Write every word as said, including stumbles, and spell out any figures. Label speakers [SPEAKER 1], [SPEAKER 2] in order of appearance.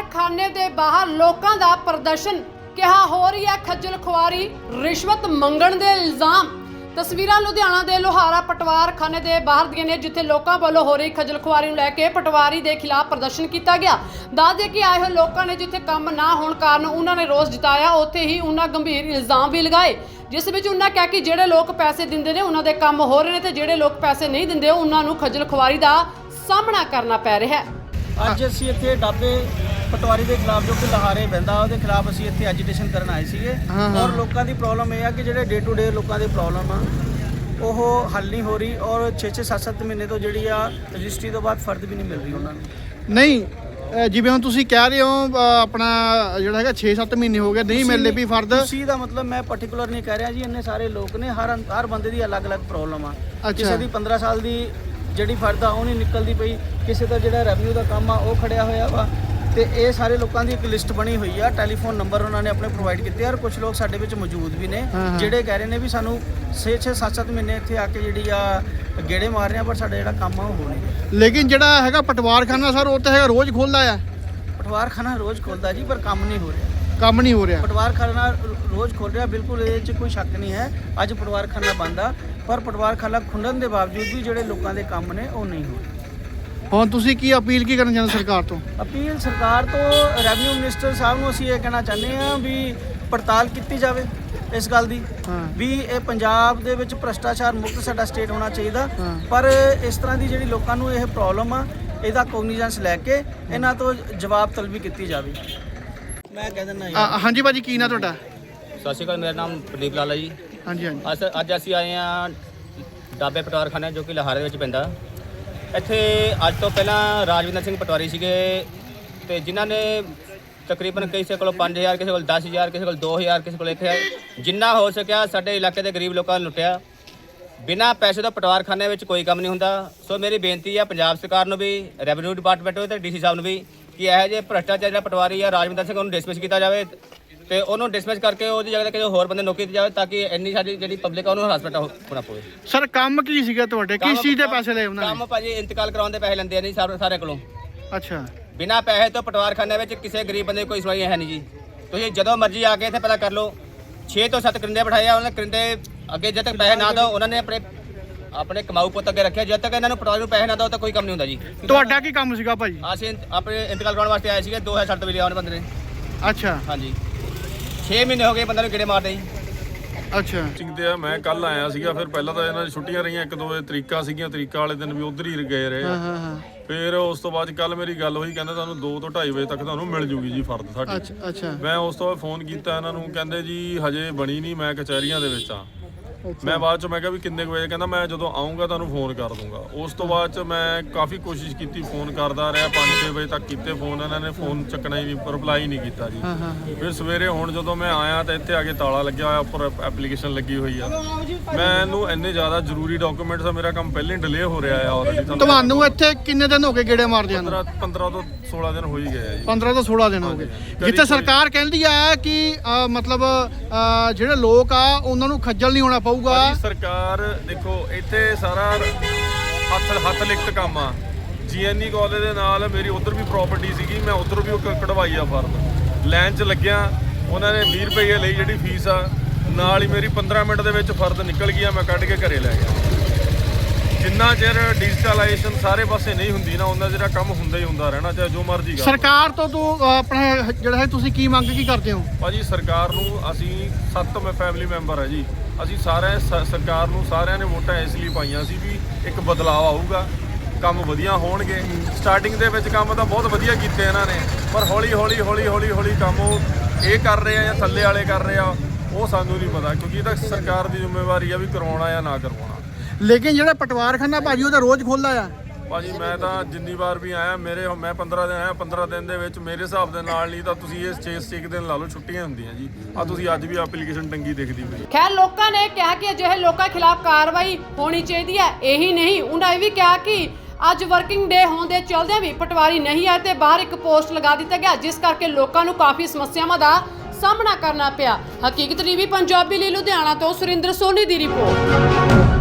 [SPEAKER 1] ਖਾਨੇ ਦੇ ਬਾਹਰ ਲੋਕਾਂ ਦਾ ਪ੍ਰਦਰਸ਼ਨ। ਕਿਹਾ ਹੋ ਰਹੀ ਹੈ ਖੱਜਲ ਖੁਆਰੀ, ਰਿਸ਼ਵਤ ਮੰਗਣ ਦੇ ਇਲਜ਼ਾਮ। ਤਸਵੀਰਾਂ ਲੁਧਿਆਣਾ ਦੇ ਲੋਹਾਰਾ ਪਟਵਾਰ ਖਾਨੇ ਦੇ ਬਾਹਰ ਦੀਆਂ ਨੇ, ਜਿੱਥੇ ਲੋਕਾਂ ਵੱਲੋਂ ਹੋ ਰਹੀ ਖੱਜਲ ਖੁਆਰੀ ਨੂੰ ਲੈ ਕੇ ਪਟਵਾਰੀ ਦੇ ਖਿਲਾਫ ਪ੍ਰਦਰਸ਼ਨ ਕੀਤਾ ਗਿਆ। ਦੱਸ ਦੇ ਕਿ ਆਏ ਹੋਏ ਲੋਕਾਂ ਨੇ ਜਿੱਥੇ ਕੰਮ ਨਾ ਹੋਣ ਕਾਰਨ ਉਹਨਾਂ ਨੇ ਰੋਸ ਜਤਾਇਆ, ਉੱਥੇ ਹੀ ਉਹਨਾਂ ਗੰਭੀਰ ਇਲਜ਼ਾਮ ਵੀ ਲਗਾਏ, ਜਿਸ ਵਿੱਚ ਉਹਨਾਂ ਕਿਹਾ ਕਿ ਜਿਹੜੇ ਲੋਕ ਪੈਸੇ ਦਿੰਦੇ ਨੇ ਉਹਨਾਂ ਦੇ ਕੰਮ ਹੋ ਰਹੇ ਨੇ ਤੇ ਜਿਹੜੇ ਲੋਕ ਪੈਸੇ ਨਹੀਂ ਦਿੰਦੇ ਉਹਨਾਂ ਨੂੰ ਖੱਜਲ ਖੁਆਰੀ ਦਾ ਸਾਹਮਣਾ ਕਰਨਾ ਪੈ ਰਿਹਾ ਹੈ।
[SPEAKER 2] ਅੱਜ ਅਸੀਂ ਇੱਥੇ ਡਾਬੇ ਪਟਵਾਰੀ ਦੇ ਖਿਲਾਫ ਜੋ ਕਿ ਲਹਾਰੇ ਬਹਿੰਦਾ ਉਹਦੇ ਖਿਲਾਫ ਅਸੀਂ ਇੱਥੇ ਐਜੀਟੇਸ਼ਨ ਕਰਨ ਆਏ ਸੀਗੇ। ਔਰ ਲੋਕਾਂ ਦੀ ਪ੍ਰੋਬਲਮ ਇਹ ਆ ਕਿ ਜਿਹੜੇ ਡੇ ਟੂ ਡੇ ਲੋਕਾਂ ਦੀ ਪ੍ਰੋਬਲਮ ਆ ਉਹ ਹੱਲ ਨਹੀਂ ਹੋ ਰਹੀ ਔਰ ਛੇ ਛੇ ਸੱਤ ਸੱਤ ਮਹੀਨੇ ਤੋਂ ਜਿਹੜੀ ਆ ਰਜਿਸਟਰੀ ਤੋਂ ਬਾਅਦ ਫਰਦ ਵੀ ਨਹੀਂ ਮਿਲ ਰਹੀ ਉਹਨਾਂ ਨੂੰ।
[SPEAKER 3] ਨਹੀਂ ਜਿਵੇਂ ਹੁਣ ਤੁਸੀਂ ਕਹਿ ਰਹੇ ਹੋ ਆਪਣਾ ਜਿਹੜਾ ਹੈਗਾ ਛੇ ਸੱਤ ਮਹੀਨੇ ਹੋ ਗਏ ਨਹੀਂ ਮਿਲਦੇ ਵੀ ਫਰਦ।
[SPEAKER 2] ਤੁਸੀਂ ਦਾ ਮਤਲਬ ਮੈਂ ਪਾਰਟਿਕੂਲਰ ਨਹੀਂ ਕਹਿ ਰਿਹਾ ਜੀ, ਇੰਨੇ ਸਾਰੇ ਲੋਕ ਨੇ, ਹਰ ਹਰ ਬੰਦੇ ਦੀ ਅਲੱਗ-ਅਲੱਗ ਪ੍ਰੋਬਲਮ ਆ। ਕਿਸੇ ਦੀ ਪੰਦਰਾਂ ਸਾਲ ਦੀ ਜਿਹੜੀ ਫਰਦ ਆ ਉਹ ਨਹੀਂ ਨਿਕਲਦੀ ਪਈ, ਕਿਸੇ ਦਾ ਜਿਹੜਾ ਰੈਵਨਿਊ ਦਾ ਕੰਮ ਆ ਉਹ ਖੜਿਆ ਹੋਇਆ ਵਾ। ਤੇ ਇਹ ਸਾਰੇ ਲੋਕਾਂ ਦੀ ਇੱਕ ਲਿਸਟ ਬਣੀ ਹੋਈ ਆ, ਟੈਲੀਫੋਨ ਨੰਬਰ ਉਹਨਾਂ ਨੇ ਆਪਣੇ ਪ੍ਰੋਵਾਈਡ ਕੀਤੇ। ਔਰ ਕੁਝ ਲੋਕ ਸਾਡੇ ਵਿੱਚ ਮੌਜੂਦ ਵੀ ਨੇ ਜਿਹੜੇ ਕਹਿ ਰਹੇ ਨੇ ਵੀ ਸਾਨੂੰ ਛੇ ਛੇ ਸੱਤ ਸੱਤ ਮਹੀਨੇ ਇੱਥੇ ਆ ਕੇ ਜਿਹੜੀ ਆ ਗੇੜੇ ਮਾਰ ਰਹੇ ਆ, ਪਰ ਸਾਡਾ ਜਿਹੜਾ ਕੰਮ ਆ ਉਹ ਹੋ ਨਹੀਂ।
[SPEAKER 3] ਲੇਕਿਨ ਜਿਹੜਾ ਹੈਗਾ ਪਟਵਾਰਖਾਨਾ ਸਰ ਉਹ ਤਾਂ ਹੈਗਾ ਰੋਜ਼ ਖੁੱਲਦਾ ਆ।
[SPEAKER 2] ਪਟਵਾਰਖਾਨਾ ਰੋਜ਼ ਖੁੱਲਦਾ ਜੀ, ਪਰ ਕੰਮ ਨਹੀਂ ਹੋ ਰਿਹਾ।
[SPEAKER 3] ਕੰਮ ਨਹੀਂ ਹੋ ਰਿਹਾ।
[SPEAKER 2] ਪਟਵਾਰਖਾਨਾ ਰੋਜ਼ ਖੁੱਲ ਰਿਹਾ, ਬਿਲਕੁਲ ਇਹਦੇ 'ਚ ਕੋਈ ਸ਼ੱਕ ਨਹੀਂ ਹੈ। ਅੱਜ ਪਟਵਾਰਖਾਨਾ ਬੰਦ ਆ, ਪਰ ਪਟਵਾਰਖਾਨਾ ਖੁੱਲ੍ਹਣ ਦੇ ਬਾਵਜੂਦ ਵੀ ਜਿਹੜੇ ਲੋਕਾਂ ਦੇ ਕੰਮ ਨੇ ਉਹ ਨਹੀਂ ਹੋ ਰਹੇ।
[SPEAKER 3] ਹੁਣ ਤੁਸੀਂ ਕੀ ਅਪੀਲ ਕੀ ਕਰਨਾ ਚਾਹੁੰਦੇ ਸਰਕਾਰ ਤੋਂ?
[SPEAKER 2] ਅਪੀਲ ਸਰਕਾਰ ਤੋਂ ਰੈਵਨਿਊ ਮਿਨਿਸਟਰ ਸਾਹਿਬ ਨੂੰ ਅਸੀਂ ਇਹ ਕਹਿਣਾ ਚਾਹੁੰਦੇ ਹਾਂ ਵੀ ਪੜਤਾਲ ਕੀਤੀ ਜਾਵੇ ਇਸ ਗੱਲ ਦੀ ਵੀ ਇਹ ਪੰਜਾਬ ਦੇ ਵਿੱਚ ਭ੍ਰਸ਼ਟਾਚਾਰ ਮੁਕਤ ਸਾਡਾ ਸਟੇਟ ਹੋਣਾ ਚਾਹੀਦਾ। ਪਰ ਇਸ ਤਰ੍ਹਾਂ ਦੀ ਜਿਹੜੀ ਲੋਕਾਂ ਨੂੰ ਇਹ ਪ੍ਰੋਬਲਮ ਆ ਇਹਦਾ ਕੋਗਨੀਜੈਂਸ ਲੈ ਕੇ ਇਹਨਾਂ ਤੋਂ ਜਵਾਬ ਤਲਬੀ ਕੀਤੀ ਜਾਵੇ। ਮੈਂ ਕਹਿ ਦਿੰਦਾ
[SPEAKER 3] ਹਾਂਜੀ ਭਾਜੀ, ਕੀ ਨਾ ਤੁਹਾਡਾ?
[SPEAKER 4] ਸਤਿ ਸ਼੍ਰੀ ਅਕਾਲ, ਮੇਰਾ ਨਾਮ ਪ੍ਰਦੀਪ ਲਾਲਾ ਜੀ।
[SPEAKER 3] ਹਾਂਜੀ ਹਾਂਜੀ।
[SPEAKER 4] ਅਸ ਅੱਜ ਅਸੀਂ ਆਏ ਹਾਂ ਡਾਬੇ ਪਟਵਾਰਖਾਨਾ ਜੋ ਕਿ ਲਾਹੌਰ ਦੇ ਵਿੱਚ ਪੈਂਦਾ। ਇੱਥੇ ਅੱਜ ਤੋਂ ਪਹਿਲਾਂ ਰਾਜਵਿੰਦਰ ਸਿੰਘ ਪਟਵਾਰੀ ਸੀਗੇ ਤੇ ਜਿਨ੍ਹਾਂ ਨੇ ਤਕਰੀਬਨ ਕਿਸੇ ਕੋਲ ਪੰਜ ਹਜ਼ਾਰ, ਕਿਸੇ ਕੋਲ ਦਸ ਹਜ਼ਾਰ, ਕਿਸੇ ਕੋਲ ਦੋ ਹਜ਼ਾਰ, ਕਿਸੇ ਕੋਲ ਇੱਕ ਹਜ਼ਾਰ, ਜਿੰਨਾ ਹੋ ਸਕਿਆ ਸਾਡੇ ਇਲਾਕੇ ਦੇ ਗਰੀਬ ਲੋਕਾਂ ਨੂੰ ਲੁੱਟਿਆ। ਬਿਨਾਂ ਪੈਸੇ ਤੋਂ ਪਟਵਾਰਖਾਨੇ ਵਿੱਚ ਕੋਈ ਕੰਮ ਨਹੀਂ ਹੁੰਦਾ। ਸੋ ਮੇਰੀ ਬੇਨਤੀ ਹੈ ਪੰਜਾਬ ਸਰਕਾਰ ਨੂੰ ਵੀ, ਰੈਵਨਿਊ ਡਿਪਾਰਟਮੈਂਟ ਨੂੰ ਤੇ ਡੀ ਸੀ ਸਾਹਿਬ ਨੂੰ ਵੀ ਕਿ ਇਹੋ ਜਿਹੇ ਭ੍ਰਸ਼ਟਾਚਾਰ ਜਿਹੜਾ ਪਟਵਾਰੀ ਆ ਰਾਜਵਿੰਦਰ ਸਿੰਘ ਉਹਨੂੰ ਡਿਸਮਿਸ ਕੀਤਾ ਜਾਵੇ ਤੇ ਉਹਨੂੰ ਡਿਸਮਿਸ ਕਰਕੇ ਉਹਦੀ ਜਗ੍ਹਾ ਤੇ ਕਿਸੇ ਹੋਰ ਬੰਦੇ ਨੌਕਰੀ ਦਿੱਤੀ ਜਾਵੇ ਤਾਂ ਕਿ ਇੰਨੀ ਸਾਡੀ ਜਿਹੜੀ ਪਬਲਿਕ ਆ ਉਹਨੂੰ ਹਰਾਸਮੈਂਟ ਹੋਣਾ ਪਵੇ।
[SPEAKER 3] ਸਰ ਕੰਮ ਕੀ ਸੀਗਾ ਤੁਹਾਡੇ? ਕਿਸ ਚੀਜ਼ ਦੇ ਪੈਸੇ ਲਏ ਉਹਨਾਂ ਨੇ?
[SPEAKER 4] ਕੰਮ ਭਾਜੀ ਇੰਤਕਾਲ ਕਰਾਉਣ ਦੇ ਪੈਸੇ ਲੈਂਦੇ ਆ ਨਹੀਂ ਸਾਰੇ ਸਾਰੇ ਕੋਲੋਂ।
[SPEAKER 3] ਅੱਛਾ।
[SPEAKER 4] ਬਿਨਾਂ ਪੈਸੇ ਤੋਂ ਪਟਵਾਰਖਾਨੇ ਵਿੱਚ ਕਿਸੇ ਗਰੀਬ ਬੰਦੇ ਕੋਈ ਸੁਣਵਾਈ ਹੈ ਨਹੀਂ ਜੀ। ਤੁਸੀਂ ਜਦੋਂ ਮਰਜ਼ੀ ਆ ਕੇ ਇੱਥੇ ਪਤਾ ਕਰ ਲਓ। ਛੇ ਤੋਂ ਸੱਤ ਕਰਿੰਦੇ ਬਿਠਾਏ ਆ, ਉਹਨਾਂ ਨੇ ਕਰਿੰਦੇ ਅੱਗੇ ਜਦ ਤੱਕ ਪੈਸੇ ਨਾ ਦਿਓ ਉਹਨਾਂ ਨੇ ਆਪਣੇ ਆਪਣੇ ਕਮਾਊ ਪੁੱਤ ਅੱਗੇ ਰੱਖਿਆ। ਜਦ ਤੱਕ ਇਹਨਾਂ ਨੂੰ ਪਟਵਾਰੀ ਨੂੰ ਪੈਸੇ ਨਾ ਦਿਓ ਤਾਂ ਕੋਈ ਕੰਮ ਨਹੀਂ ਹੁੰਦਾ ਜੀ।
[SPEAKER 3] ਤੁਹਾਡਾ ਕੀ ਕੰਮ ਸੀਗਾ ਭਾਜੀ?
[SPEAKER 4] ਅਸੀਂ ਆਪਣੇ ਇੰਤਕਾਲ ਕਰਾਉਣ ਵਾਸਤੇ ਆਏ ਸੀਗੇ। ਦੋ ਹਜ਼ਾਰ ਸੱਤ ਤੋਂ ਵੀ ਲਿਆ ਉਹਨੇ ਬੰਦੇ ਨੇ।
[SPEAKER 3] ਅੱਛਾ।
[SPEAKER 4] ਹਾਂਜੀ, ਛੇ ਮਹੀਨੇ ਹੋ ਗਏ ਬੰਦੇ ਨੂੰ ਗੇੜੇ ਮਾਰਦੇ ਜੀ।
[SPEAKER 3] ਅੱਛਾ।
[SPEAKER 5] ਤੇ ਆ ਮੈਂ ਕੱਲ ਆਇਆ ਸੀਗਾ। ਫਿਰ ਪਹਿਲਾਂ ਤਾਂ ਇਹਨਾਂ ਦੀ ਛੁੱਟੀਆਂ ਰਹੀਆਂ, ਇੱਕ ਦੋ ਤਰੀਕਾ ਸੀਗੀਆਂ, ਤਰੀਕਾ ਵਾਲੇ ਦਿਨ ਵੀ ਉਧਰ ਹੀ ਗਏ ਰਹੇ।
[SPEAKER 3] ਹਾਂ ਹਾਂ।
[SPEAKER 5] ਫਿਰ ਉਸ ਤੋਂ ਬਾਅਦ ਕੱਲ ਮੇਰੀ ਗੱਲ ਹੋਈ, ਕਹਿੰਦੇ ਤੁਹਾਨੂੰ ਦੋ ਤੋਂ ਢਾਈ ਵਜੇ ਤੱਕ ਤੁਹਾਨੂੰ ਮਿਲ ਜੂਗੀ ਜੀ ਫਰਦ ਸਾਡੀ।
[SPEAKER 3] ਅੱਛਾ ਅੱਛਾ।
[SPEAKER 5] ਮੈਂ ਉਸ ਤੋਂ ਬਾਅਦ ਫੋਨ ਕੀਤਾ ਇਹਨਾਂ ਨੂੰ, ਕਹਿੰਦੇ ਜੀ ਹਜੇ ਬਣੀ ਨਹੀਂ, ਮੈਂ ਕਚਹਿਰੀਆਂ ਦੇ ਵਿੱਚ ਆ। ਮੈਂ ਬਾਅਦ ਚ ਮੈਂ ਕਿਹਾ ਵੀ ਕਿੰਨੇ ਕੁ ਵਜੇ? ਕਹਿੰਦਾ ਮੈਂ ਜਦੋਂ ਆਉਂਗਾ ਤੁਹਾਨੂੰ ਫੋਨ ਕਰ ਦੂੰਗਾ। ਉਸ ਤੋਂ ਬਾਅਦ ਚ ਮੈਂ ਕਾਫੀ ਕੋਸ਼ਿਸ਼ ਕੀਤੀ, ਫੋਨ ਕਰਦਾ ਰਿਹਾ, ਪੰਜ ਛੇ ਵਜੇ ਤੱਕ ਕੀਤੇ ਫੋਨ, ਇਹਨਾਂ ਨੇ ਫੋਨ ਚੱਕਣਾ ਹੀ ਨਹੀਂ, ਰਿਪਲਾਈ ਨਹੀਂ ਕੀਤਾ ਜੀ। ਫਿਰ ਸਵੇਰੇ ਹੁਣ ਜਦੋਂ ਮੈਂ ਆਇਆ ਤਾਂ ਇੱਥੇ ਆ ਕੇ ਤਾਲਾ ਲੱਗਿਆ ਹੋਇਆ, ਉੱਪਰ ਐਪਲੀਕੇਸ਼ਨ ਲੱਗੀ ਹੋਈ ਆ। ਮੈਨੂੰ ਇੰਨੇ ਜ਼ਿਆਦਾ ਜ਼ਰੂਰੀ ਡਾਕੂਮੈਂਟਸ ਆ, ਮੇਰਾ ਕੰਮ ਪਹਿਲਾਂ ਹੀ ਡਿਲੇ ਹੋ ਰਿਹਾ ਆ ਆਲਰੇਡੀ।
[SPEAKER 3] ਤੁਹਾਨੂੰ ਇੱਥੇ ਕਿੰਨੇ ਦਿਨ ਹੋ ਗਏ ਗੇੜੇ ਮਾਰਦੇ ਨੂੰ?
[SPEAKER 5] ਪੰਦਰਾਂ ਤੋਂ ਸੋਲਾਂ ਦਿਨ ਹੋ ਹੀ ਗਏ ਆ ਜੀ।
[SPEAKER 3] ਪੰਦਰਾਂ ਤੋਂ ਸੋਲਾਂ ਦਿਨ ਹੋ ਗਏ। ਜਿੱਥੇ ਸਰਕਾਰ ਕਹਿੰਦੀ ਆ ਕਿ ਮਤਲਬ ਜਿਹੜੇ ਲੋਕ ਆ ਉਹਨਾਂ ਨੂੰ ਖੱਜਲ ਨਹੀਂ ਹੋਣਾ ਪਊਗਾ।
[SPEAKER 5] ਸਰਕਾਰ ਦੇਖੋ ਇੱਥੇ ਸਾਰਾ ਹੱਥ ਹੱਥ ਲਿਖਤ ਕੰਮ ਆ। ਜੀ ਐਨ ਈ ਕਾਲਜ ਦੇ ਨਾਲ ਮੇਰੀ ਉਧਰ ਵੀ ਪ੍ਰਾਪਰਟੀ ਸੀਗੀ, ਮੈਂ ਉਧਰ ਵੀ ਉਹ ਕਢਵਾਈ ਆ ਫਰਦ। ਲਾਈਨ 'ਚ ਲੱਗਿਆ, ਉਹਨਾਂ ਨੇ ਵੀਹ ਰੁਪਏ ਲਈ ਜਿਹੜੀ ਫੀਸ ਆ, ਨਾਲ ਹੀ ਮੇਰੀ ਪੰਦਰਾਂ ਮਿੰਟ ਦੇ ਵਿੱਚ ਫਰਦ ਨਿਕਲ ਗਿਆ, ਮੈਂ ਕੱਢ ਕੇ ਘਰੇ ਲੈ ਗਿਆ। ਜਿੰਨਾ ਚਿਰ ਡਿਜੀਟਲਾਈਜੇਸ਼ਨ ਸਾਰੇ ਪਾਸੇ ਨਹੀਂ ਹੁੰਦੀ ਨਾ, ਉਹਨਾਂ ਜਿਹੜਾ ਕੰਮ ਹੁੰਦਾ ਹੀ ਹੁੰਦਾ ਰਹਿਣਾ, ਚਾਹੇ ਜੋ ਮਰਜ਼ੀ ਕਰ।
[SPEAKER 3] ਸਰਕਾਰ ਤੋਂ ਤੂੰ ਆਪਣਾ ਜਿਹੜਾ ਹੈ ਤੁਸੀਂ ਕੀ ਮੰਗ ਕੀ ਕਰਦੇ ਹੋ?
[SPEAKER 5] ਭਾਜੀ ਸਰਕਾਰ ਨੂੰ ਅਸੀਂ ਸੱਤ ਮੈਂ ਫੈਮਿਲੀ ਮੈਂਬਰ ਹੈ ਜੀ, ਅਸੀਂ ਸਾਰੇ ਸਰਕਾਰ ਨੂੰ ਸਾਰਿਆਂ ਨੇ ਵੋਟਾਂ ਇਸ ਲਈ ਪਾਈਆਂ ਸੀ ਵੀ ਇੱਕ ਬਦਲਾਅ ਆਊਗਾ, ਕੰਮ ਵਧੀਆ ਹੋਣਗੇ। ਸਟਾਰਟਿੰਗ ਦੇ ਵਿੱਚ ਕੰਮ ਤਾਂ ਬਹੁਤ ਵਧੀਆ ਕੀਤੇ ਇਹਨਾਂ ਨੇ, ਪਰ ਹੌਲੀ ਹੌਲੀ ਹੌਲੀ ਹੌਲੀ ਹੌਲੀ ਕੰਮ ਉਹ ਇਹ ਕਰ ਰਹੇ ਆ ਜਾਂ ਥੱਲੇ ਵਾਲੇ ਕਰ ਰਹੇ ਆ ਉਹ ਸਾਨੂੰ ਨਹੀਂ ਪਤਾ, ਕਿਉਂਕਿ ਇਹ ਤਾਂ ਸਰਕਾਰ ਦੀ ਜ਼ਿੰਮੇਵਾਰੀ ਆ ਵੀ ਕਰਵਾਉਣਾ ਜਾਂ ਨਾ ਕਰਵਾਉਣਾ।
[SPEAKER 3] ਲੇਕਿਨ ਜਿਹੜਾ ਪਟਵਾਰਖਾਨਾ ਭਾਜੀ ਉਹ ਤਾਂ ਰੋਜ਼ ਖੁੱਲਦਾ ਆ।
[SPEAKER 5] ਭਾਜੀ ਮੈਂ ਤਾਂ ਜਿੰਨੀ ਵਾਰ ਵੀ ਆਇਆ, ਮੇਰੇ ਮੈਂ ਪੰਦਰਾਂ ਦਿਨ ਆਇਆ, ਪੰਦਰਾਂ ਦਿਨ ਦੇ ਵਿੱਚ ਮੇਰੇ ਹਿਸਾਬ ਦੇ ਨਾਲ ਨਹੀਂ ਤਾਂ ਤੁਸੀਂ ਇਹ ਛੇ ਛੇ ਦਿਨ ਲਾ ਲਓ, ਛੁੱਟੀਆਂ ਹੁੰਦੀਆਂ ਜੀ। ਆ ਤੁਸੀਂ ਅੱਜ ਵੀ ਐਪਲੀਕੇਸ਼ਨ ਟੰਗੀ ਦਿਖਦੀ ਪਈ।
[SPEAKER 1] ਖੈਰ ਲੋਕਾਂ ਨੇ ਕਿਹਾ ਕਿ ਅਜਿਹੇ ਲੋਕਾਂ ਖਿਲਾਫ ਕਾਰਵਾਈ ਹੋਣੀ ਚਾਹੀਦੀ ਹੈ। ਇਹੀ ਨਹੀਂ, ਉਹਨਾਂ ਇਹ ਵੀ ਕਿਹਾ ਕਿ ਅੱਜ ਵਰਕਿੰਗ ਡੇ ਹੋਣ ਦੇ ਚਲਦਿਆਂ ਵੀ ਪਟਵਾਰੀ ਨਹੀਂ ਆਏ ਤੇ ਬਾਹਰ ਇੱਕ ਪੋਸਟ ਲਗਾ ਦਿੱਤਾ ਗਿਆ, ਜਿਸ ਕਰਕੇ ਲੋਕਾਂ ਨੂੰ ਕਾਫੀ ਸਮੱਸਿਆਵਾਂ ਦਾ ਸਾਹਮਣਾ ਕਰਨਾ ਪਿਆ। ਹਕੀਕਤ ਟੀਵੀ ਪੰਜਾਬੀ ਲਈ ਲੁਧਿਆਣਾ ਤੋਂ ਸੁਰਿੰਦਰ ਸੋਨੀ ਦੀ ਰਿਪੋਰਟ।